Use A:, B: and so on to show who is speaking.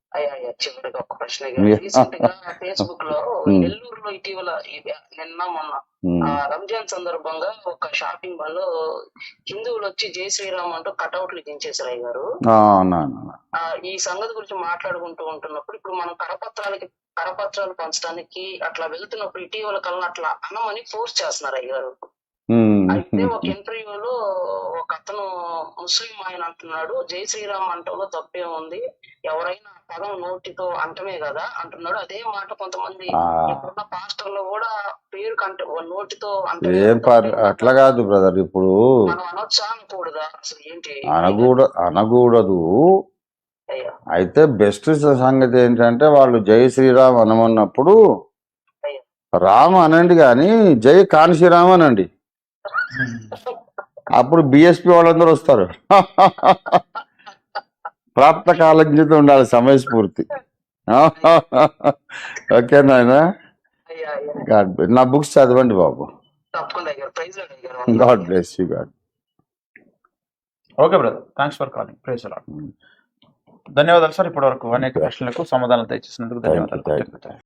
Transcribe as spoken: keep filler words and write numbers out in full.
A: అయ్యా అయ్యా చివరిగా ఒక ప్రశ్న అయ్యా. రీసెంట్ గా ఫేస్బుక్ లో నెల్లూరులో ఇటీవల ఈ- నిన్న మొన్న ఆ రంజాన్ సందర్భంగా ఒక షాపింగ్ మాల్ లో హిందువులు వచ్చి జై శ్రీరామ్ అంటూ కటౌట్లు దించేశారు అయ్య గారు. ఆ ఈ సంగతి గురించి మాట్లాడుకుంటూ ఉంటున్నప్పుడు ఇప్పుడు మనం కరపత్రాలకి కరపత్రాలు పంచడానికి అట్లా వెళ్తున్నప్పుడు ఇటీవల కాలంలో అట్లా అనమని ఫోర్స్ చేస్తున్నారు అయ్య గారు. అయితే ఒక ఇంటర్వ్యూలో ఒక అతను ముస్లిం ఆయన అంటున్నాడు జై శ్రీరామ్ అంటంలో తప్పే ఉంది, ఎవరైనా పదం నోటితో అంటమే కదా అంటున్నాడు. అదే మాట కొంతమంది ఇప్పుడున్న పాస్టర్లు కూడా పేరు కంటే నోటితో అంటే
B: అట్లా కాదు బ్రదర్. ఇప్పుడు
A: మనం అనొచ్చా అనకూడదా అసలు ఏంటి
B: అనకూడ అనకూడదు. అయితే బెస్ట్ సంగతి ఏంటంటే వాళ్ళు జై శ్రీరామ్ అనమన్నప్పుడు రామ్ అనండి కానీ జై కాన్శీరామ్ అనండి. అప్పుడు బిఎస్పి వాళ్ళందరూ వస్తారు. ప్రాప్త కాలజ్ఞత ఉండాలి, సమయస్ఫూర్తి. ఓకే నాయన, నా బుక్స్ చదవండి బాబు. God bless you. God.
C: Okay brother, thanks for calling. Praise the lord. ధన్యవాదాలు సార్. ఇప్పటి వరకు అనేక ప్రశ్నలకు సమాధానాలు దయచేసినందుకు ధన్యవాదాలు.